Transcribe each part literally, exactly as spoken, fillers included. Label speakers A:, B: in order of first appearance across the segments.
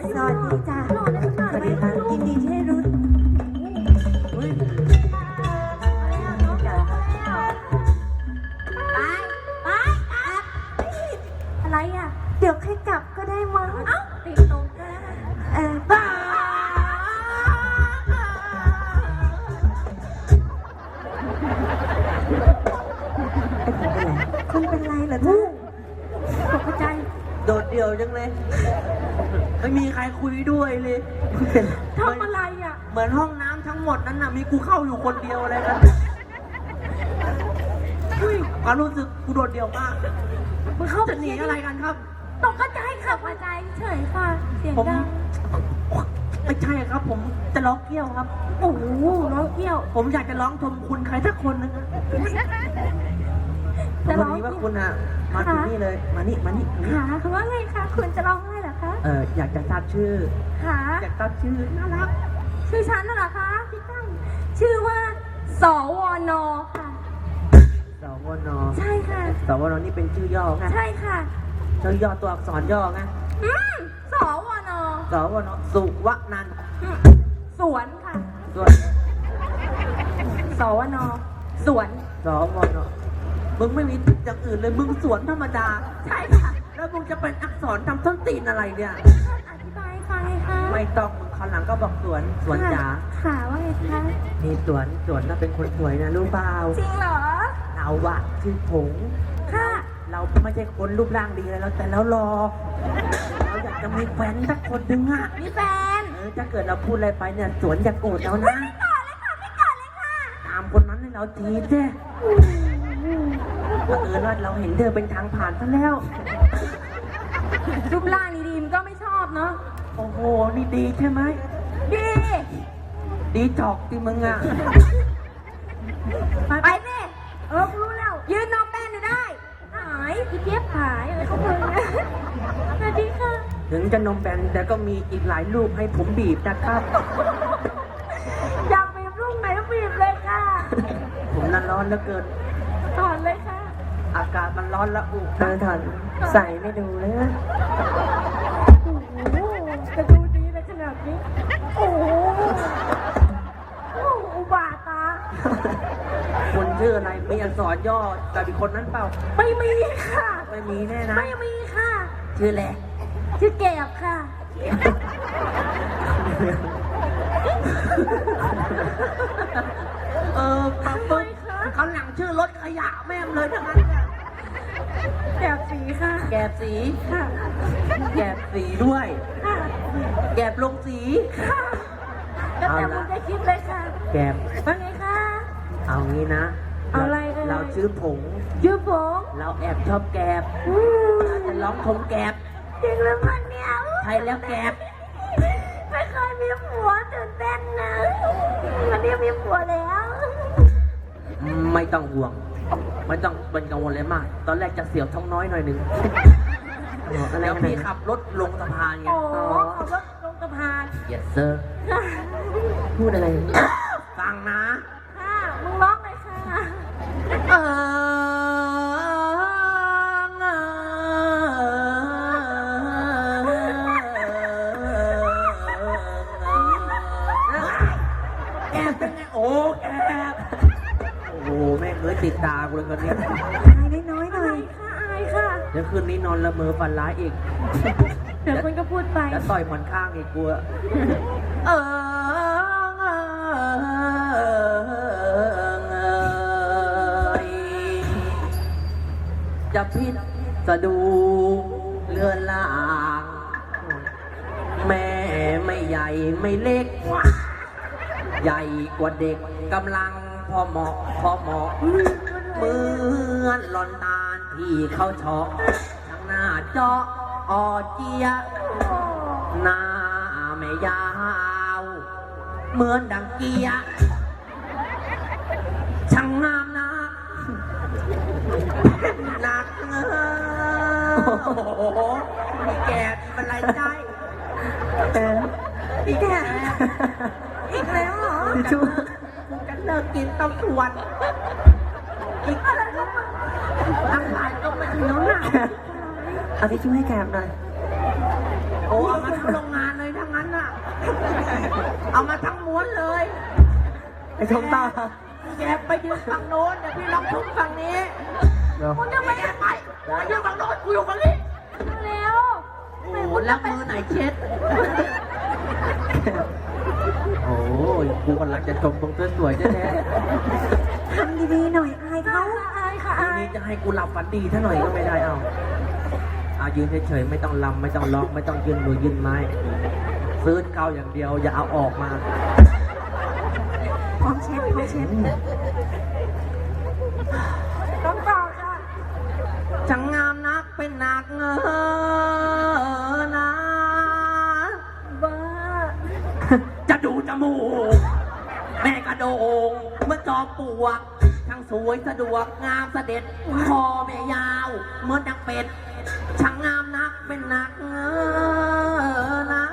A: สวัสดีจ้าสวัสดีค่ะยินดีที่ได้รู้ไปไปอะไรอ่ะเดี๋ยวค่อยกลับก็ได้มั้งเอ้าติดตรงกันเออบ้าคุณเป็นไรเหรอจ๊ะตกใจ
B: โดดเดี่ยวจังเลยไม่มีใครคุยด้วยเลย
A: ทำอะไรอ่ะ
B: เหมือนห้องน้ำทั้งหมดนั้นน่ะมีกูเข้าอยู่คนเดียวเลยนะความรู้สึกกูโดดเดี่ยวมากมึงเข้าจะหนีอะไรกันครับ
A: ตกใจค่ะตกใจเฉยค่ะเสียงดัง
B: ไม่ใช่ครับผมจะร้องเกี้ยวครับ
A: โอ้โหร้องเกี้ยว
B: ผมอยากจะร้องชมคุณใครสักคนนึงจะร้องว่าคุณอ่ะมาที่นี่เลยมานี่มานี่
A: ค่ะคือว่าไงคะคุณจะร้องอะไรเหรอคะ
B: เอออยากจะทราบชื่อ
A: ค่ะ
B: อยากทราบชื่อน่ารัก
A: ชื่อฉันน่ะเหรอคะพี่ตั้งชื่อว่าสวนค่ะ
B: สวน
A: ใช่ค่ะ
B: สวนนี่เป็นชื่อย่อไง
A: ใช่ค่ะ
B: ชื่อย่อตัวอักษรย่อไง
A: อืมสวน
B: สวนสุวนันท์
A: สวนค่ะ
B: สวน
A: สวนสวน
B: สวนมึงไม่มีอย่างอื่นเลยมึงสวนธรรมดา
A: ใช่ค่ะ
B: แล้วมึงจะเป็นอักษรทำต้นตีนอะไรเนี่ย
A: อธิบายฟังเลยค่ะ
B: ไม่ต้องมึงคราวหลังก็บอกสวนสวนจ๋า
A: ค่ะว่าไงคะ
B: นี่สวนสวนน่ะเป็นคนสวยนะรู้เปล่า
A: จริงเหรอ
B: เราอะชื่อผง
A: ค่ะ
B: เราไม่ใช่คนรูปร่างดีเลยแล้วแต่แล้วรอเราอยากจะมีแฟนสักคนหนึ่งอะ
A: มีแฟน
B: เออถ้าเกิดเราพูดอะไรไปเนี่ยสวนอย่าโกรธเรานะ
A: ไม่โกรธเลยค่ะไม่โกรธเลยค่ะ
B: ตามคนนั้นให้เราทีเจ้เออว่าเราเห็นเธอเป็นทางผ่านซะแล้ว
A: รูปร่างดีๆมันก็ไม่ชอบเนาะ
B: โอ้โหนี่ดีใช่ไหม
A: ดี
B: ดีจอกที่มึงอ่ะ
A: ไปสิเออรู้แล้วยืนนอนแป้นอยู่ได้หายพี่เจี๊ยบหายอะไรเขาเพิ่งนะสวัสดีค่ะ
B: ถึงจะนมแบนแต่ก็มีอีกหลายรูปให้ผมบีบนะครับ
A: อยากบีบรูปไหนก็บีบเลยค่ะ
B: ผมนั้นร้อนเหลือเกิน
A: ถอนเลยค่ะ
B: อากาศมันร้อนละอุ
A: เออถอนใส่ไม่ดูเลยนะโอ้โหจะดูดีในขนาดนี้โอ้โหอุบาตา
B: คนชื่ออะไรมีอักษรย่อแต่เป็นคนนั้นเปล่า
A: ไม่มีค่ะ
B: ไม่มีแน่นะ
A: ไม่มีค่ะ
B: ชื่อแหละ
A: ชื่อแก็บค่ะ
B: เออปั๊บปุ๊บเขาหลังชื่อรถขยะแม่มเลยทั้งนั้นเนี่ย
A: แกบสีค่ะ
B: แกบสี
A: ค่ะ
B: แกบสีด้วย
A: ค่ะ
B: แกบลงสี
A: ค่ะแล้วแต่คุณจะคิดเลยค่ะ
B: แกบ
A: ว่าไงคะ
B: เอางี้นะ
A: เอาอะไร
B: เราชื่อผง
A: ชื่อผง
B: เราแอบชอบแกบเราจะร้องทงแกบ
A: จริงหรือเปล่าเนี่ย
B: ใช่แล้วแกบ
A: ไม่เคยมีผัวตื่นเต้นนะวันนี้มีผัวแล้ว
B: ไม่ต้องห่วงไม่ต้องเป็นกังวลเลยมากตอนแรกจะเสียวท้องน้อยหน่อยนึงแล้วพี่ขับรถลงสะพานไง
A: อ๋อขับรถลงสะพาน
B: yes sir พูดอะไรฟังนะ
A: ค่ะมึงร้องเลยค่ะ
B: เอแกเป็นไงโอ้แกโอ้แม่เคยติดตากูเลยคนนี้
A: อายน้อยหน่อยค่ะอายค่ะ
B: เดี๋ยวคืนนี้นอนละเมอฝันร้ายอีก
A: เดี๋ยวคนก็พูดไป
B: แล้วต่อยหมอนข้างอีกกูเออจะพิษสะดูเลือนลางแม่ไม่ใหญ่ไม่เล็กใหญ่กว่าเด็กกำลังพอเหมาะพอเหมาะเหมือนหลอนตาลที่เขาเฉาะทั้งหน้าเจาะออเจียหน้าไม่ยาวเหมือนดังเกียช่างงามนะหนักโอ้โหมีแกเป็นไรได้อีกแกอีกแล้วเหรอชูกูจะเลิกกินต้องทวนอีกอะไรก็มาทำลายก็มาเขียวหนา
A: เอาที่ช่วยให้แกบหน่อย
B: โอ้เอามาทั้งโรงงานเลยมาทั้งม้วนเลย
C: ไอ้ชมตา
B: แกไปยืนฝั่งโน้นเดี๋ยวพี่ลองทุบฝั่งนี้
C: เดี๋ยว
A: คุณจะไป
B: แกไปไปยืนฝั่งโน้นกูอยู่ฝั่งนี้
A: เร็ว
B: โอ้โหแล้วมือไหนเช็ด โอ้ยกูกำลังจะชมตรงสวยๆแท้
A: ทำดีๆหน่อยอายเขาอายค่ะ
B: ๆที
A: อาย
B: นี้จะให้กูหลับฝันดีท่าหน่อยก็ไม่ได้เอาเอายืนเฉยๆไม่ต้องลำไม่ต้องร้องไม่ต้องยืนมือยืนไม้ซื้อเกาอย่างเดียวอย่าเอาออกมา
A: พร้อมเช็ดพร้อมเช็ดต้องต่อค่ะ
B: ช่างงามนักเป็นนักเงอนะ
A: บ้า
B: จะดูจมูกแม่กระโดงเมื่อจอมปลวกช่างสวยสะดวกงามเสด็จคอแม่ยาวเหมือนดังเป็ดช่างงามนักเป็นนักเงอนะ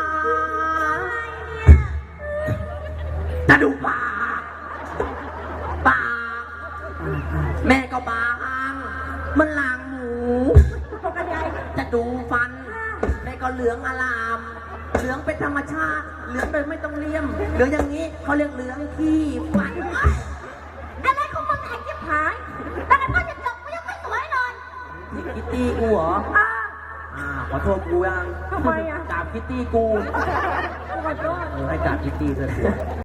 B: จะดูปากปากแม่ก็บางมันลางหมู
A: ปกติ
B: จะดูฟันแม่ก็เหลืองอลาม เหลืองเป็นธรรมชาติ เหลืองโดยไม่ต้องเลี่ยม เหลืองอย่างนี้เขาเรียกเหลืองขี้ฟัน
A: อะไรของมึงไอ้จิ๊บหายแต่ก็จะจบกูยังไม่สวยเลย
B: นี่คิตตี้กูเหรอ
A: อ่า
B: อ่าขอโทษกูยัง
A: ทำไมอ่ะ
B: กราบคิตตี้กู
A: ขอโทษ
B: เออให้กราบคิตตี้เถอะ